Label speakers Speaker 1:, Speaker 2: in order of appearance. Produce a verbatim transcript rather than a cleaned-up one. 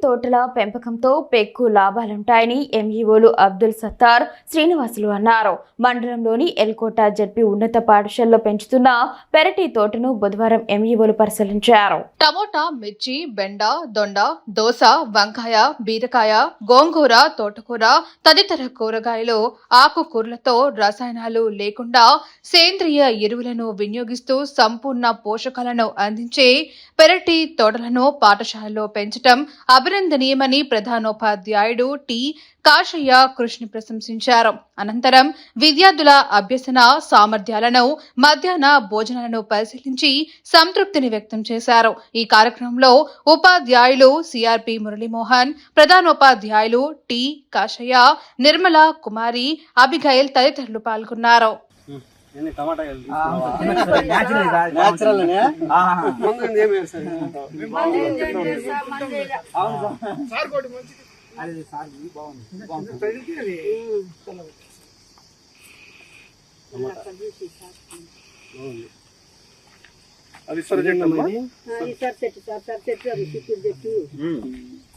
Speaker 1: తోటల పెంపకంతో పెక్కు లాభాలుంటాయని ఎంఈఓలు అబ్దుల్ సత్తార్, శ్రీనివాసులు అన్నారు. మండలంలోని ఎల్కోట జడ్పీ ఉన్నత పాఠశాలలో పెంచుతున్న పెరటి తోటను బుధవారం ఎంఈఓలు పరిశీలించారు.
Speaker 2: టమోటా, మిర్చి, బెండ, దొండ, దోస, వంకాయ, బీరకాయ, గోంగూర, తోటకూర తదితర కూరగాయలు, ఆకుకూరలతో రసాయనాలు లేకుండా సేంద్రియ ఎరువులను వినియోగిస్తూ సంపూర్ణ పోషకాలను అందించే పెరటి తోటలను పాఠశాలలో పెంచడం అభినందనీయమని ప్రధానోపాధ్యాయుడు టి కాశయ్య కృష్ణ ప్రశంసించారు. అనంతరం విద్యార్థుల అభ్యసన సామర్థ్యాలను, మధ్యాహ్న భోజనాలను పరిశీలించి సంతృప్తిని వ్యక్తం చేశారు. ఈ కార్యక్రమంలో ఉపాధ్యాయులు సిఆర్పి మురళీమోహన్, ప్రధానోపాధ్యాయులు టి కాశయ్య, నిర్మల కుమారి, అభిగైల్ తదితరులు పాల్గొన్నారు.
Speaker 3: అది సరే